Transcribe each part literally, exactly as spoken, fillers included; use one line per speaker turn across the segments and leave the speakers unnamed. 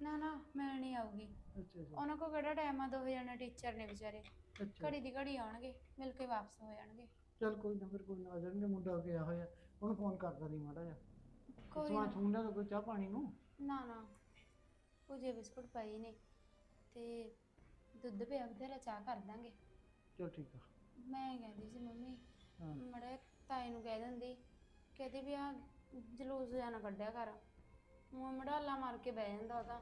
ਨਾ ਨਾ ਮਿਲ ਨਹੀਂ ਆਊਗੀ।
ਅੱਛਾ ਅੱਛਾ
ਉਹਨਾਂ ਕੋਲ ਕਿਹੜਾ ਟਾਈਮ ਆ, ਦੋਵੇਂ ਜਣੇ ਟੀਚਰ ਨੇ ਵਿਚਾਰੇ।
ਅੱਛਾ
ਘੜੀ ਦੀ ਘੜੀ ਆਉਣਗੇ, ਮਿਲ ਕੇ ਵਾਪਸ ਹੋ ਜਾਣਗੇ।
ਚੱਲ ਕੋਈ ਨਾ, ਫਿਰ ਕੋਈ ਨਾ ਆ ਜਾਣਗੇ। ਮੁੰਡਾ ਗਿਆ ਹੋਇਆ, ਉਹਨੂੰ ਫੋਨ ਕਰਦਾ ਨਹੀਂ ਮਾੜਾ ਜਿਹਾ। ਤੇ
ਕੋਈ
ਸਮਾਨ
ਨਾ
ਸਮੂਨ ਲਿਆ ਦਿਓ, ਕੋਈ ਚਾਹ ਪਾਣੀ ਨੂੰ।
ਨਾ ਨਾ ਭੁਜੇ ਬਿਸਕੁਟ ਪਏ ਨੇ ਤੇ ਦੁੱਧ ਪਿਆ ਬਥੇਰਾ, ਚਾਹ ਕਰ ਦਾਂਗੇ।
ਚਲ ਠੀਕ ਆ।
ਮੈਂ ਕਹਿੰਦੀ ਸੀ ਮੰਮੀ
ਹਾਂ
ਮੜੇ ਤਾਏ ਨੂੰ ਕਹਿ ਦਿੰਦੀ, ਕਹਿੰਦੀ ਵੀ ਆ ਜਲੂਸ ਜਿਹਾ ਨਾ ਕੱਢਿਆ ਕਰ, ਮੂੰਹ ਮੜਾਲਾ ਮਾਰ ਕੇ ਬਹਿ ਜਾਂਦਾ ਉਹ ਤਾਂ।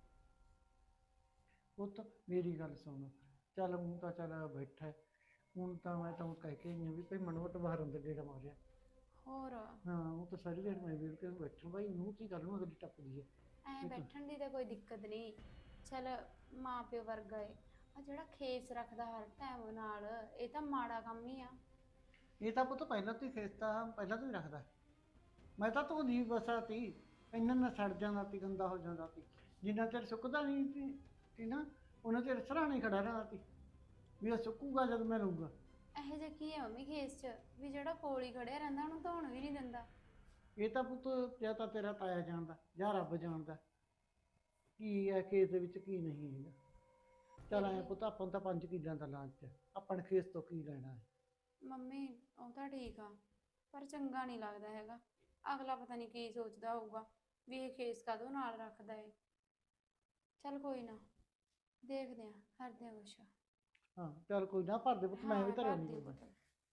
ਪੁੱਤ ਮੇਰੀ ਗੱਲ ਸੁਣ, ਚੱਲ ਹੁਣ ਤਾਂ ਚੱਲ ਬੈਠਾ ਹੈ। ਹੁਣ ਤਾਂ ਮੈਂ ਤਾਂ ਕਹਿ ਕੇ ਆਈ ਹਾਂ ਵੀ ਭਾਈ ਮਨੋਟ ਬਾਹਰ ਅੰਦਰ ਗੇੜਾ ਮਾਰਿਆ।
ਹੋਰ
ਹਾਂ ਉਹ ਤਾਂ ਸਾਰੀ ਦਿਨ ਮੈਂ ਵੇਖ ਕੇ ਬੈਠਾ ਭਾਈ, ਨੂੰ ਕੀ ਕਰ ਲੂੰ, ਅਗਲੀ ਟੱਪਦੀ ਹੈ।
ਐਂ
ਇਹ ਤਾਂ
ਬੈਠਣ ਦੀ ਤਾਂ ਕੋਈ ਦਿੱਕਤ ਨਹੀਂ, ਚੱਲ ਮਾਂ ਪਿਓ ਵਰਗਾ ਏ। ਆ ਜਿਹੜਾ ਖੇਸ ਰੱਖਦਾ ਹਰ ਟਾਈਮ ਨਾਲ, ਇਹ ਤਾਂ ਮਾੜਾ ਕੰਮ ਹੀ ਆ।
ਇਹ ਤਾਂ ਪੁੱਤ ਪਹਿਲਾਂ ਤੋਂ ਹੀ ਖੇਸਤਾ, ਪਹਿਲਾਂ ਤੋਂ ਹੀ ਰੱਖਦਾ। ਮੈਂ ਤਾਂ ਧੋਂਦੀ ਬਸਾ ਤੀ, ਇੰਨਾ ਨਾ ਸੜ ਜਾਂਦਾ ਤੀ, ਗੰਦਾ ਹੋ ਜਾਂਦਾ ਤੀ। ਜਿੰਨਾ ਚਿਰ ਸੁੱਕਦਾ ਨਹੀਂ ਸੀ ਸੀ ਨਾ, ਉਹਨਾਂ ਚਿਰ ਸਰਾਣੇ ਖੜਾ ਰਹਿੰਦਾ ਤੀ ਵੀ ਇਹ ਸੁੱਕੂਗਾ ਜਦ ਮੈਂ ਲਊਂਗਾ।
ਇਹੋ ਜਿਹਾ ਕੀ ਹੈ ਮੰਮੀ ਖੇਸ 'ਚ ਵੀ ਜਿਹੜਾ ਕੋਲ ਹੀ ਖੜਿਆ ਰਹਿੰਦਾ, ਉਹਨੂੰ ਧੋਣ ਵੀ ਨਹੀਂ ਦਿੰਦਾ।
ਇਹ ਤਾਂ ਪੁੱਤ ਜਾਂ ਤਾਂ ਤੇਰਾ ਤਾਇਆ ਜਾਣਦਾ ਜਾਂ ਰੱਬ ਜਾਣਦਾ ਕੀ ਹੈ ਖੇਸ ਦੇ ਵਿੱਚ ਕੀ ਨਹੀਂ ਹੈਗਾ। ਚੱਲ ਆਇਆ ਪੁੱਤ, ਆਪਾਂ ਨੂੰ ਤਾਂ ਪੰਜ ਕਿੱਲਿਆਂ ਦਾ ਲਾਂਚ, ਆਪਾਂ ਨੇ ਖੇਸ ਤੋਂ ਕੀ ਲੈਣਾ ਹੈ।
ਮੰਮੀ ਉਹ ਤਾਂ ਠੀਕ ਆ, ਪਰ ਚੰਗਾ ਨਹੀਂ ਲੱਗਦਾ ਹੈਗਾ। ਅਗਲਾ ਪਤਾ ਨਹੀਂ ਕੀ ਸੋਚਦਾ ਹੋਊਗਾ ਵੀ ਇਹ ਖੇਸ ਕਾਹਦੋਂ ਨਾਲ ਰੱਖਦਾ ਏ। ਚੱਲ ਕੋਈ ਨਾ, ਦੇਖਦੇ ਆ, ਕਰਦੇ ਆ ਕੁਛ।
ਹਾਂ ਚੱਲ ਕੋਈ ਨਾ, ਭਰ ਦੇ ਪੁੱਤ, ਮੈਂ ਵੀ
ਹਾਂ,
ਧਰਿਆ
ਭਰ
ਨਹੀਂ
ਦਿਓ
ਕੋਈ।
ਬੋਤਲ।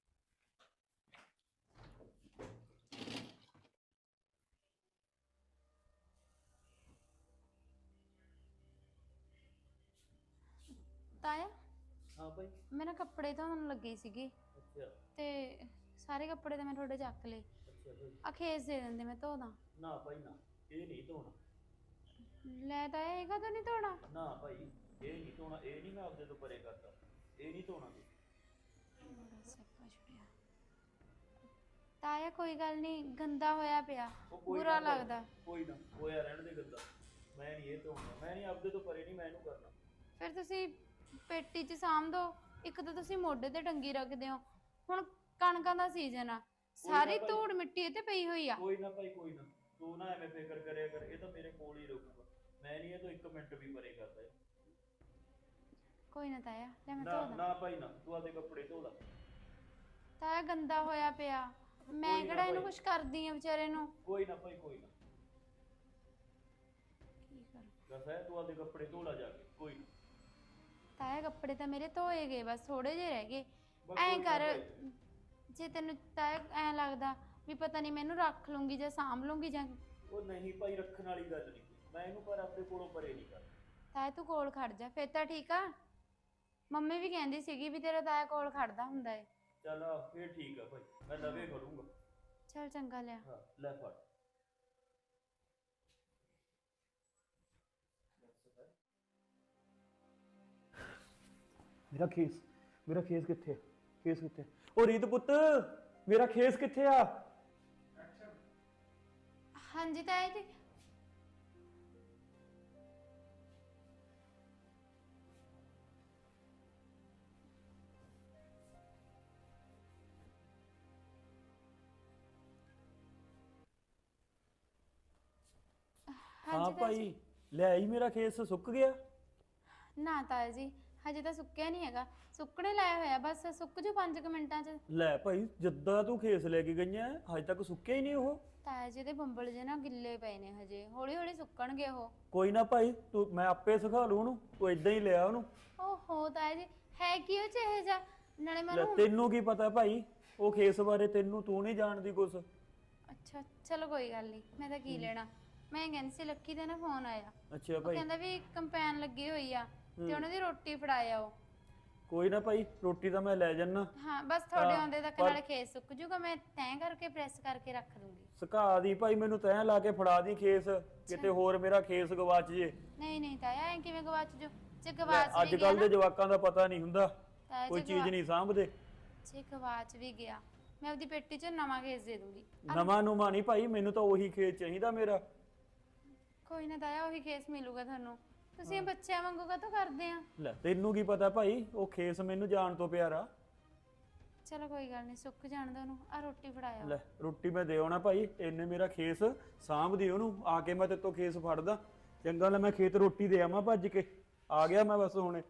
ਤਾਇਆ
ਹਾਂ ਭਾਈ।
ਮੈਂ ਨਾ ਕੱਪੜੇ ਧੋਣ ਲੱਗੀ ਸੀਗੀ
ਅੱਛਾ
ਤੇ ਸਾਰੇ ਕੱਪੜੇ ਤਾਂ ਮੈਂ ਤੁਹਾਡੇ ਚੱਕ ਲਏ।
ਅੱਛਾ ਭਾਈ।
ਆ ਖੇਸ ਦੇ ਦਿੰਦੇ, ਮੈਂ ਧੋ ਦਾਂ।
ਨਾ ਭਾਈ ਨਾ, ਇਹ ਨਹੀਂ ਧੋਣਾ।
ਲੈ ਤਾਇਆ ਇਹ ਕਦੋਂ ਨਹੀਂ ਧੋਣਾ?
ਨਾ ਭਾਈ ਇਹ ਨਹੀਂ ਧੋਣਾ, ਇਹ ਨਹੀਂ ਮੈਂ ਆਪਦੇ ਤੋਂ ਪਰੇ ਕਰਦਾ, ਇਹ ਨਹੀਂ ਧੋਣਾ ਤੂੰ।
ਬੜਾ ਸਿਆਪਾ ਛੁੜਿਆ ਤਾਇਆ, ਕੋਈ ਗੱਲ ਨਹੀਂ, ਗੰਦਾ ਹੋਇਆ ਪਿਆ,
ਉਹ ਕੋਈ
ਬੁਰਾ
ਨਾ ਭਾਈ,
ਲੱਗਦਾ।
ਕੋਈ ਨਾ ਹੋਇਆ ਰਹਿਣ ਦੇ ਗੰਦਾ, ਮੈਂ ਨਹੀਂ ਇਹ ਧੋਣਾ, ਮੈਂ ਨਹੀਂ ਆਪਦੇ ਤੋਂ ਪਰੇ ਨਹੀਂ ਮੈਂ ਇਹਨੂੰ ਕਰਨਾ।
ਫਿਰ ਤੁਸੀਂ ਪੇਟੀ 'ਚ ਸਾਂਭ ਦੋ, ਇੱਕ ਤਾਂ ਤੁਸੀਂ ਮੋਢੇ ਤੇ ਟੰਗੀ ਰੱਖਦੇ ਹੋ। ਹੁਣ ਕਣਕਾਂ ਦਾ ਸੀਜ਼ਨ ਆ, ਸਾਰੀ
ਭਾਈ।
ਧੂੜ ਮਿੱਟੀ ਇਹ ਤੇ ਪਈ ਹੋਈ ਆ।
ਕੋਈ ਨਾ ਭਾਈ ਕੋਈ ਨਾ, ਤੂੰ ਨਾ ਐਵੇਂ ਫਿਕਰ ਕਰਿਆ ਕਰ, ਇਹ ਤਾਂ ਮੇਰੇ ਕੋਲ ਹੀ ਰਹੂਗਾ, ਮੈਂ ਨਹੀਂ ਇਹ ਤੋਂ ਇੱਕ ਮਿੰਟ ਵੀ ਪਰੇ ਕਰਦਾ।
ਕੋਈ ਨਾ ਤਾਇਆ, ਲੈ ਮੈਂ
ਨਾ
ਧੋ ਦਾਂ।
ਨਾ ਭਾਈ ਨਾ, ਤੂੰ ਆਪਦੇ ਕੱਪੜੇ ਧੋ ਲੈ।
ਤਾਇਆ ਗੰਦਾ ਹੋਇਆ ਪਿਆ, ਮੈਂ
ਕੋਈ ਨਾ
ਕਿਹੜਾ ਇਹਨੂੰ
ਭਾਈ।
ਕੁਛ ਕਰਦੀ ਆ ਵਿਚਾਰੇ ਨੂੰ।
ਕੋਈ ਨਾ ਭਾਈ ਕੋਈ ਨਾ,
ਕੀ ਕਰਾਂ
ਦੱਸ ਹੈ ਤੂੰ ਆਪਦੇ ਕੱਪੜੇ ਧੋ ਲੈ ਜਾ ਕੇ, ਕੋਈ ਨਾ।
ਤਾਇਆ ਕੱਪੜੇ ਤਾਂ ਮੇਰੇ ਧੋਏ ਗਏ, ਬਸ ਥੋੜੇ ਜਿਹੇ ਰਹਿ ਗਏ।
ਬਸ
ਐਂ
ਕੋਈ ਨਾ
ਕਰ,
ਭਾਈ।
ਜੇ ਤੈਨੂੰ ਤਾਇਆ ਐਂ ਲੱਗਦਾ ਵੀ ਪਤਾ ਨਹੀਂ ਮੈਨੂੰ ਰੱਖ ਲੂੰਗੀ ਜਾਂ ਸਾਂਭ ਲੂੰਗੀ ਜਾਂ,
ਉਹ ਨਹੀਂ ਭਾਈ, ਰੱਖਣ ਵਾਲੀ ਗੱਲ ਨਹੀਂ, ਮੈਂ ਇਹਨੂੰ ਪਰ ਆਪਣੇ ਕੋਲੋਂ ਪਰੇ ਨਹੀਂ ਕਰਦਾ।
ਤਾਇਆ ਤੂੰ ਕੋਲ ਖੜ ਜਾ, ਫਿਰ ਤਾਂ ਠੀਕ ਆ। ਮੰਮੀ ਵੀ ਕਹਿੰਦੀ ਸੀਗੀ ਵੀ ਤੇਰਾ ਤਾਇਆ ਕੋਲ ਖੜਦਾ ਹੁੰਦਾ ਏ।
ਚੱਲ ਫੇਰ ਠੀਕ ਆ ਭਾਈ, ਮੈਂ ਲਵੇ ਕਰੂੰਗਾ।
ਚੱਲ ਚੰਗਾ, ਲਿਆ।
ਹਾਂ ਲੈ ਫੜ। ਮੇਰਾ ਖੇਸ, ਮੇਰਾ ਖੇਸ ਕਿੱਥੇ? ਖੇਸ ਕਿੱਥੇ? ਉਹ ਰੀਤ ਪੁੱਤ, ਮੇਰਾ ਖੇਸ ਕਿੱਥੇ ਆ?
ਹਾਂਜੀ ਤਾਇਆ ਜੀ।
ਹਾਂ
ਹਾਂਜੀ ਤਾਇਆ ਜੀ।
ਭਾਈ, ਲੈ ਆਈ, ਮੇਰਾ ਖੇਸ ਸੁੱਕ ਗਿਆ।
ਨਾ ਤਾਇਆ ਜੀ, ਹਜੇ ਤਾਂ ਸੁੱਕਿਆ ਨਹੀਂ ਹੈਗਾ, ਸੁੱਕਣੇ ਲਾਇਆ ਹੋਇਆ, ਬਸ ਸੁੱਕ ਜੂ ਪੰਜ ਕੁ ਮਿੰਟਾਂ 'ਚ।
ਲੈ ਭਾਈ, ਜਿੱਦਾਂ ਤੂੰ ਖੇਸ ਲੈ ਕੇ ਗਈਆਂ ਹਜੇ ਤੱਕ ਸੁੱਕਿਆ ਹੀ ਨਹੀਂ ਉਹ।
ਤਾਇਆ ਜੀ ਦੇ ਬੰਬਲ ਜੇ ਨਾ ਗਿੱਲੇ ਪਏ ਨੇ, ਹਜੇ ਹੌਲੀ ਹੌਲੀ ਸੁੱਕਣਗੇ ਉਹ।
ਕੋਈ ਨਾ ਭਾਈ, ਤੂੰ ਮੈਂ ਆਪੇ ਸਿਖਾ ਲੂ ਉਹਨੂੰ, ਤੂੰ ਇਦਾਂ ਹੀ ਲਿਆ ਉਹਨੂੰ।
ਓਹੋ ਤਾਇਆ ਜੀ, ਹੈ ਕੀ ਉਹ 'ਚ ਇਹ ਜਾ? ਨਾਲੇ
ਲੈ
ਮੈਨੂੰ
ਤੈਨੂੰ ਕੀ ਪਤਾ ਭਾਈ ਉਹ ਖੇਸ ਬਾਰੇ, ਤੈਨੂੰ ਤੂੰ ਨਹੀਂ ਜਾਣਦੀ ਕੁਛ।
ਅੱਛਾ ਚਲੋ ਕੋਈ ਗੱਲ ਨਹੀਂ, ਮੈਂ ਤਾਂ ਕੀ ਲੈਣਾ। ਮੈਂ ਕਹਿੰਦੀ ਸੀ ਲੱਕੀ ਦਾ ਨਾ ਫੋਨ ਆਇਆ,
ਅੱਛਾ
ਉਹ
ਭਾਈ,
ਕਹਿੰਦਾ ਵੀ ਕੰਪੈਨ ਲੱਗੀ ਹੋਈ ਆ ਤੇ ਉਹਨਾਂ ਦੀ ਰੋਟੀ ਫੜਾਇਆ ਉਹ।
ਕੋਈ ਨਾ ਭਾਈ, ਰੋਟੀ ਤਾਂ ਮੈਂ ਲੈ ਜਾਨਾ।
ਹਾਂ ਬਸ ਤੁਹਾਡੇ
ਹਾਂ,
ਆਉਂਦੇ ਤੱਕ
ਪਰ-
ਨਾਲੇ ਖੇਸ ਸੁੱਕ ਜੂਗਾ, ਮੈਂ ਤੈਅ ਕਰਕੇ ਪ੍ਰੈਸ ਕਰਕੇ ਰੱਖ ਦੂੰਗੀ।
ਸੁਕਾ ਦੀ ਭਾਈ, ਮੈਨੂੰ ਤੈਂ ਲਾ ਕੇ ਫੜਾ ਦੀ ਖੇਸ, ਕਿਤੇ ਹੋਰ ਮੇਰਾ ਖੇਸ ਗਵਾਚ ਜੇ।
ਨਹੀਂ ਨਹੀਂ ਤਾਇਆ, ਐ ਕਿਵੇਂ ਗਵਾਚ ਜੂ? ਜੇ ਗਵਾਚ
ਅੱਜ
ਵੀ ਗਿਆ
ਕੱਲ ਦੇ
ਨਾ
ਜਵਾਕਾਂ ਦਾ ਪਤਾ ਨਹੀਂ ਹੁੰਦਾ,
ਤਾਇਆ,
ਕੋਈ
ਜੇ
ਚੀਜ਼
ਗਵਾ-
ਨਹੀਂ ਸਾਂਭਦੇ।
ਜੇ ਗਵਾਚ ਵੀ ਗਿਆ, ਮੈਂ ਆਪਦੀ ਪੇਟੀ 'ਚ ਨਵਾਂ ਖੇਸ ਦੇ ਦੂੰਗੀ।
ਨਵਾਂ ਨੂੰਮਾ ਨਹੀਂ ਭਾਈ, ਮੈਨੂੰ ਤਾਂ ਉਹੀ ਖੇਸ ਚਾਹੀਦਾ ਮੇਰਾ।
ਕੋਈ ਨਾ ਤਾਇਆ, ਉਹੀ ਖੇਸ ਮਿਲੂਗਾ ਤੁਹਾਨੂੰ। ਤੁਸੀਂ ਇਹ ਬੱਚਿਆਂ ਵਾਂਗੂ ਕਾਹਤੋਂ ਕਰਦੇ ਆ?
ਲੈ ਤੈਨੂੰ ਕੀ ਪਤਾ ਭਾਈ, ਉਹ ਖੇਸ ਮੈਨੂੰ ਜਾਣ ਤੋਂ ਪਿਆਰਾ।
ਚਲੋ ਕੋਈ ਗੱਲ ਨਹੀਂ, ਸੁੱਕ ਜਾਣ ਦੋ ਉਹਨੂੰ। ਆ ਰੋਟੀ ਫੜਾਇਆ।
ਲੈ ਰੋਟੀ ਮੈਂ ਦੇ ਆਉਣਾ ਭਾਈ, ਇਹਨੇ ਮੇਰਾ ਖੇਸ ਸਾਂਭਦੀ ਉਹਨੂੰ, ਆ ਕੇ ਮੈਂ ਤੇਤੋਂ ਖੇਸ ਫੜਦਾ ਚੰਗਾ ਲੈ ਮੈਂ ਖੇਤ ਰੋਟੀ ਦੇ ਆਵਾਂ ਭੱਜ ਕੇ। ਆ ਗਿਆ ਮੈਂ ਬਸ ਹੁਣੇ।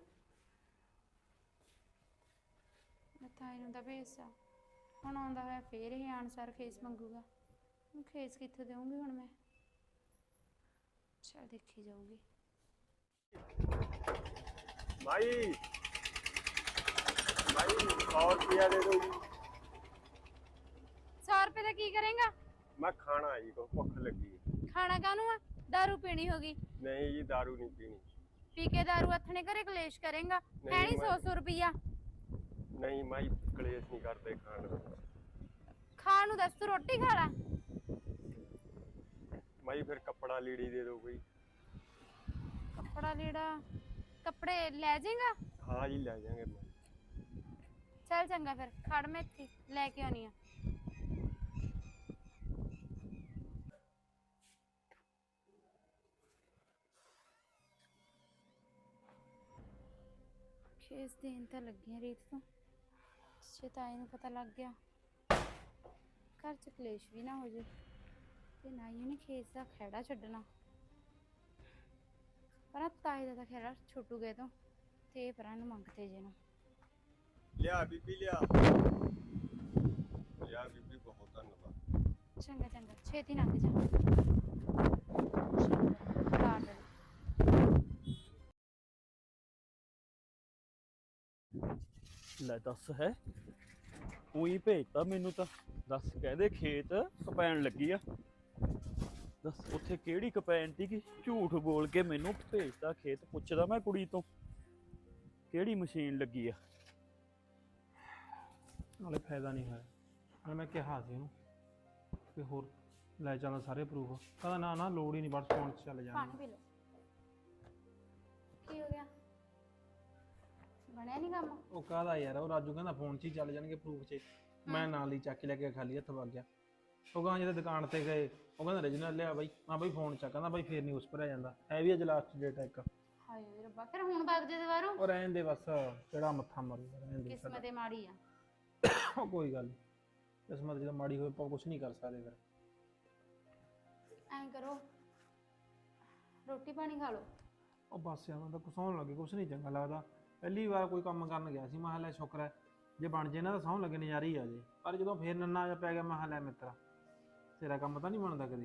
ਮੈਂ ਤਾਈ ਨੂੰ ਤਾਂ ਭੇਜਤਾ, ਹੁਣ ਆਉਂਦਾ ਹੋਇਆ ਫੇਰ ਇਹ ਆਨਸਰ ਖੇਸ ਮੰਗੂਗਾ। ਹੁਣ ਖੇਸ ਕਿੱਥੇ ਦੇਵਾਂਗੀ ਹੁਣ ਮੈਂ? ਚੱਲ ਦੇਖੀ ਜਾਊਗੀ।
भाई भाई सौ रुपया दे दो जी।
सौ रुपए का की करेगा?
मैं खाना जी को भुख लगी है।
खाना कानू आ? दारू पीनी होगी?
नहीं जी दारू नहीं पीनी।
पी के दारू हथने घरे कलेश करेगा? है
नहीं,
नहीं सौ
मैं-
सौ रुपया?
नहीं माई कलेश नहीं करते खाना।
खानू दस तू रोटी खा ला।
माई फिर कपड़ा लीड़ी दे दो कोई।
कपड़ा लीड़ा कपड़े ले जाएगा?
हाँ जी ले जाएंगे।
चल चंगा फिर खड़ मैं इत्थे लेके आनी आ। ਖੇਸ ਦੇਣ ਤਾਂ ਲੱਗੀਆਂ ਰੀਤ ਤੋਂ, ਜੇ ਤਾਈ ਨੂੰ ਪਤਾ ਲੱਗ ਗਿਆ ਘਰ ਚ ਕਲੇਸ਼ ਵੀ ਨਾ ਹੋ ਜੇ ਤੇ ਨਾ ਹੀ ਉਹਨੇ ਖੇਸ ਦਾ ਖਹਿੜਾ ਛੱਡਣਾ। ਪਰ ਤਾਈ ਦਾ ਤਾਂ ਖਹਿੜਾ ਛੁੱਟੂ ਗਏ ਤੋਂ ਤੇ ਇਹ ਪਰਾਂ ਨੂੰ ਮੰਗਤੇ ਜੇ ਨੂੰ।
लिया बीबी लिया लिया बीबी बहुत धन्यवाद।
ਚੰਗਾ ਚੰਗਾ ਛੇਤੀ ਲੰਘ ਜਾ। ਚੰਗਾ ਲਾ ਡਰ।
ਲੈ ਦੱਸ ਹੈ ਉਹੀ ਭੇਜਤਾ ਮੈਨੂੰ ਤਾਂ। ਦੱਸ ਕਹਦੇ ਖੇਤ ਕਪੈਣ ਲੱਗੀ ਆ। ਦੱਸ ਉੱਥੇ ਕਿਹੜੀ ਕਪੈਣ ਤੀ ਕਿ ਝੂਠ ਬੋਲ ਕੇ ਮੈਨੂੰ ਭੇਜਤਾ ਖੇਤ। ਪੁੱਛਦਾ ਮੈਂ ਕੁੜੀ ਤੋਂ ਕਿਹੜੀ ਮਸ਼ੀਨ ਲੱਗੀ ਆ।
ਨਾਲੇ ਫਾਇਦਾ ਨਹੀਂ ਹੋਇਆ। ਨਾਲੇ ਮੈਂ ਕਿਹਾ ਸੀ ਉਹਨੂੰ ਕਿ ਹੋਰ ਲੈ ਚੱਲ ਸਾਰੇ ਪ੍ਰੂਫ। ਕਹਿੰਦਾ ਨਾ ਨਾ ਲੋੜ ਹੀ ਨਹੀਂ, ਬਸ ਫੋਨ 'ਚ ਚੱਲ
ਪਾਣੀ
ਜਾਣਾ।
ਪੀ ਲਓ। ਕੀ ਹੋ ਗਿਆ? ਬਣਿਆ ਨਹੀਂ ਕੰਮ?
ਉਹ ਕਾਹਦਾ ਯਾਰ, ਉਹ ਰਾਜੂ ਕਹਿੰਦਾ ਫੋਨ 'ਚ ਹੀ ਚੱਲ ਜਾਣਗੇ ਪ੍ਰੂਫ 'ਚ। ਮੈਂ ਨਾਲ ਹੀ ਚੱਕ ਕੇ ਲੈ ਕੇ ਖਾਲੀ ਹੱਥ ਵਗ ਗਿਆ। ਉਹ ਗਾਂ ਜਦੋਂ ਦੁਕਾਨ ਤੇ ਗਏ ਉਹ ਕਹਿੰਦਾ ਰੀਜਨਲ ਲਿਆ ਬਾਈ। ਹਾਂ ਬਾਈ ਫੋਨ 'ਚ ਕਹਿੰਦਾ ਬਾਈ ਫੇਰ ਨਹੀਂ ਉਸ ਭਰਿਆ ਜਾਂਦਾ, ਹੈ ਵੀ ਅੱਜ ਲਾਸਟ ਡੇਟ ਹੈ ਇੱਕ।
ਹਾਏ ਓਏ ਰੱਬਾ, ਫਿਰ ਹੁਣ ਵਗ ਜੇ ਦੁਬਾਰਾ?
ਉਹ ਰਹਿਣ ਦੇ ਬਸ, ਕਿਹੜਾ ਮੱਥਾ ਮਾਰੂਗਾ, ਰਹਿਣ ਦੇ।
ਕਿਸਮਤ ਏ ਮਾੜੀ ਆ।
ਉਹ ਕੋਈ ਗੱਲ ਨਹੀਂ, ਕਿਸਮਤ ਜਦੋਂ ਮਾੜੀ ਹੋਵੇ ਆਪਾਂ ਕੁਛ ਨਹੀਂ ਕਰ ਸਕਦੇ ਫਿਰ।
ਐਂ ਕਰੋ ਰੋਟੀ ਪਾਣੀ ਖਾ ਲਓ।
ਉਹ ਬਸ ਯਾਰ ਮੈਂ ਤਾਂ ਕੁਛ ਸੌਣ ਲੱਗੇ, ਕੁਛ ਨਹੀਂ ਚੰਗਾ ਲੱਗਦਾ। ਪਹਿਲੀ ਵਾਰ ਕੋਈ ਕੰਮ ਕਰਨ ਗਿਆ ਸੀ, ਮੈਂ ਕਿਹਾ ਲੈ ਸ਼ੁਕਰ ਹੈ ਜੇ ਬਣ ਜੇ ਨਾ ਤਾਂ ਸੌਣ ਲੱਗੇ ਨਜ਼ਾਰੇ ਹੀ ਆ ਜੇ। ਪਰ ਜਦੋਂ ਫੇਰ ਨੰਨਾ ਜਿਹਾ ਪੈ ਗਿਆ ਮੈਂ ਕਿਹਾ ਲੈ ਮਿੱਤਰਾ ਤੇਰਾ ਕੰਮ ਤਾਂ ਨਹੀਂ ਬਣਦਾ ਕਦੇ।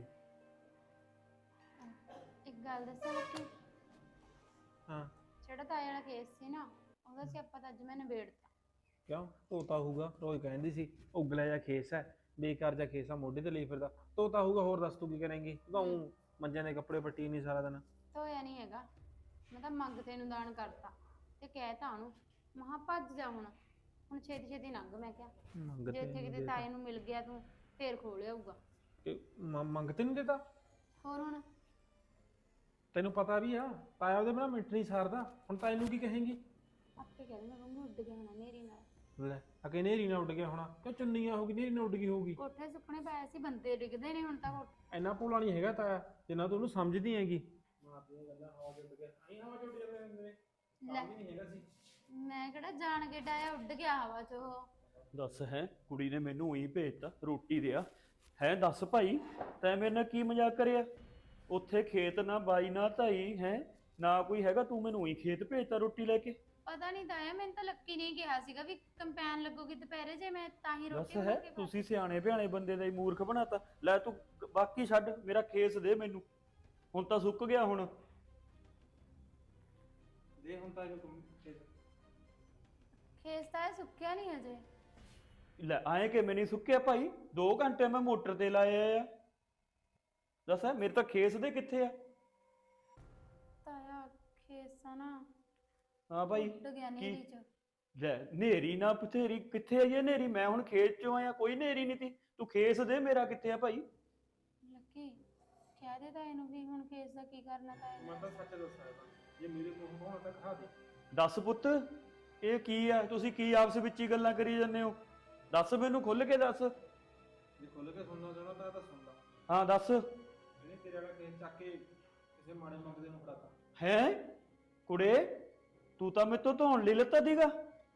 ਇੱਕ ਗੱਲ ਦੱਸਾਂ ਲੱਕੀ,
ਹਾਂ
ਜਿਹੜਾ ਤਾਏ ਵਾਲਾ ਕੇਸ ਸੀ ਨਾ ਉਹਦਾ ਸਿਆਪਾ ਤਾਂ ਅੱਜ ਮੈਂ ਨਿਬੇੜਤਾ।
ਕਿਉਂ? ਤੋਤਾ ਹੋਊਗਾ, ਰੋਜ਼ ਕਹਿੰਦੀ ਸੀ ਉਗਲਾ ਜਿਹਾ ਖੇਸ ਹੈ, ਬੇਕਾਰ ਜਿਹਾ ਖੇਸ ਆ, ਮੋਢੇ ਤੇ ਲਈ ਫਿਰਦਾ। ਤੋਤਾ ਹੋਊਗਾ, ਹੋਰ ਦੱਸ ਤੂੰ ਕੀ ਕਰੇਂਗੀ? ਤੂੰ ਮੰਜਿਆਂ ਦੇ ਕੱਪੜੇ ਪੱਟੀ ਨਹੀਂ ਸਾਰਾ ਦਿਨ।
ਧੋਇਆ ਨਹੀਂ ਹੈਗਾ, ਮੈਂ ਤਾਂ ਮੰਗਤੇ ਨੂੰ ਦਾਨ ਕਰਤਾ ਤੇ ਕਹਿਤਾ ਉਹਨੂੰ ਮਹਾ ਭੱਜ ਜਾ ਹੁਣ ਹੁਣ ਛੇਤੀ ਛੇਤੀ ਲੰਘ। ਮੈਂ ਕਿਹਾ ਜੇ ਇੱਥੇ ਕਿਤੇ ਤਾਏ ਨੂੰ ਮਿਲ ਗਿਆ ਤੂੰ ਫੇਰ ਖੋਲ ਆਊਗਾ।
ਮੰਗਤੇ ਨਹੀਂ ਦੇਤਾ?
ਹੋਰ ਹੁਣ
ਤੈਨੂੰ ਪਤਾ ਵੀ ਆ ਤਾਇਆ ਉਹਦੇ ਬਿਨਾਂ ਮਿੰਟ ਨਹੀਂ ਸਾਰਦਾ। ਹੁਣ ਤਾਏ ਨੂੰ ਕੀ ਕਹੇਂਗੀ?
ਆਪੇ ਕਹਿੰਦੇ ਮੈਂ ਕਹਿੰਦਾ ਉੱਡ ਗਿਆ ਹੋਣਾ ਨੇਰੀ ਨਾਲ।
ਲੈ ਅਕੇ ਨੇਰੀ ਨਾਲ ਉੱਡ ਗਿਆ ਹੋਣਾ, ਕਿਉਂ ਚੁੰਨੀਆਂ ਹੋਗੀ ਨੇਰੀ ਨਾਲ ਉੱਡ ਗਈ ਹੋਊਗੀ।
ਕੋਠੇ ਸੁੱਕਣੇ ਪਏ ਸੀ, ਬੰਦੇ ਡਿੱਗਦੇ ਨੇ ਹੁਣ ਤਾਂ ਕੋਠੇ।
ਇੰਨਾ ਭੋਲਾ ਨਹੀਂ ਹੈਗਾ ਤਾਇਆ ਜਿੰਨਾ ਤੂੰ ਉਹਨੂੰ ਸਮਝਦੀ ਹੈਗੀ।
ਲੈ ਮੈਂ ਕਿਹੜਾ ਜਾਣ ਕੇ ਡਾਇਆ, ਉੱਡ ਗਿਆ ਹਵਾ 'ਚ ਉਹ।
ਦੱਸ ਹੈ ਕੁੜੀ ਨੇ ਮੈਨੂੰ ਉਹੀ ਭੇਜਤਾ ਰੋਟੀ ਦਿਆ ਹੈ। ਦੱਸ ਭਾਈ ਤੈਂ ਮੇਰੇ ਨਾਲ ਕੀ ਮਜ਼ਾਕ ਕਰਿਆ? ਉੱਥੇ ਖੇਤ ਨਾ ਬਾਈ ਨਾ ਧਾਈ ਹੈ ਨਾ ਕੋਈ ਹੈਗਾ, ਤੂੰ ਮੈਨੂੰ ਉਹੀ ਖੇਤ ਭੇਜਤਾ ਰੋਟੀ ਲੈ ਕੇ।
ਪਤਾ ਨਹੀਂ ਤਾਇਆ, ਮੈਨੂੰ ਤਾਂ ਲੱਕੀ ਨੇ ਕਿਹਾ ਸੀਗਾ ਵੀ ਕੰਪੈਨ ਲੱਗੂਗੀ ਦੁਪਹਿਰੇ, ਜੇ ਮੈਂ ਤਾਂ ਹੀ
ਦੱਸ
ਰੋਟੀ
ਹੈ
ਬਣਾ ਕੇ ਖਾ-
ਤੁਸੀਂ ਸਿਆਣੇ ਬਿਆਣੇ ਬੰਦੇ ਦਾ ਹੀ ਮੂਰਖ ਬਣਾਤਾ। ਲੈ ਤੂੰ ਬਾਕੀ ਛੱਡ, ਮੇਰਾ ਖੇਸ ਦੇ ਮੈਨੂੰ, ਹੁਣ ਤਾਂ ਸੁੱਕ ਗਿਆ। ਹੁਣ
ਦੇ ਹੁਣ ਤਾਂ
ਖੇਸ ਤਾਂ ਇਹ ਸੁੱਕਿਆ ਨਹੀਂ ਅਜੇ।
ਲੈ ਆਏ ਕਿ ਨਹੀਂ ਸੁੱਕਿਆ ਭਾਈ? ਦੋ ਘੰਟੇ ਮੈਂ ਮੋਟਰ ਤੇ ਲਾਏ ਆ। ਦੱਸ ਹੈ ਮੇਰੇ ਤਾਂ ਖੇਸ ਦੇ ਕਿੱਥੇ ਆ?
ਤਾਇਆ ਖੇਸ ਆ ਨਾ
ਹਾਂ ਭਾਈ
ਉੱਡ ਗਿਆ ਨੇਰੀ 'ਚ।
ਲੈ ਨੇਰੀ ਨਾ ਬਥੇਰੀ ਕਿੱਥੇ ਆਈ ਹੈ ਨੇਰੀ? ਮੈਂ ਹੁਣ ਖੇਤ ਚੋਂ ਆਇਆ, ਕੋਈ ਨੇਰੀ ਨਹੀਂ ਤੀ। ਤੂੰ ਖੇਸ ਦੇ ਮੇਰਾ ਕਿੱਥੇ ਆ ਭਾਈ?
ਲੱਕੀ ਕਹਿ ਦੇ ਤਾਏ ਨੂੰ ਵੀ ਹੁਣ ਖੇਸ ਦਾ ਕੀ ਕਰਨਾ ਤਾਏ ਨੇ।
ਮੈਂ ਤਾਂ ਸੱਚ ਦੱਸਾਂ, ਜੇ ਮੇਰੇ ਮੂੰਹ ਹੋਣਾ ਤਾਂ ਖਾ ਦੇ।
ਦੱਸ ਪੁੱਤ ਇਹ ਕੀ ਆ? ਤੁਸੀਂ ਕੀ ਆਪਸ ਵਿੱਚ ਹੀ ਗੱਲਾਂ ਕਰੀ ਜਾਂਦੇ ਹੋ? ਦੱਸ ਮੈਨੂੰ ਖੁੱਲ ਕੇ ਦੱਸ।
ਜੇ ਖੁੱਲ ਕੇ ਸੁਣਨਾ ਚਾਹੁੰਦਾ ਤਾਂ ਤਾਂ ਸੁਣ ਲਾ।
ਹਾਂ ਦੱਸ।
ਇਹਨੇ ਤੇਰੇ ਵਾਲਾ ਕੇਸ ਚੱਕ ਕੇ ਕਿਸੇ ਮਾੜੇ ਮੰਗਦੇ ਨੂੰ ਫੜਾਤਾ।
ਹੈ ਕੁੜੇ ਤੂੰ ਤਾਂ ਮੇਰੇ ਤੋਂ ਧੋਣ ਲਈ ਲੱਤਾ ਦੀਗਾ।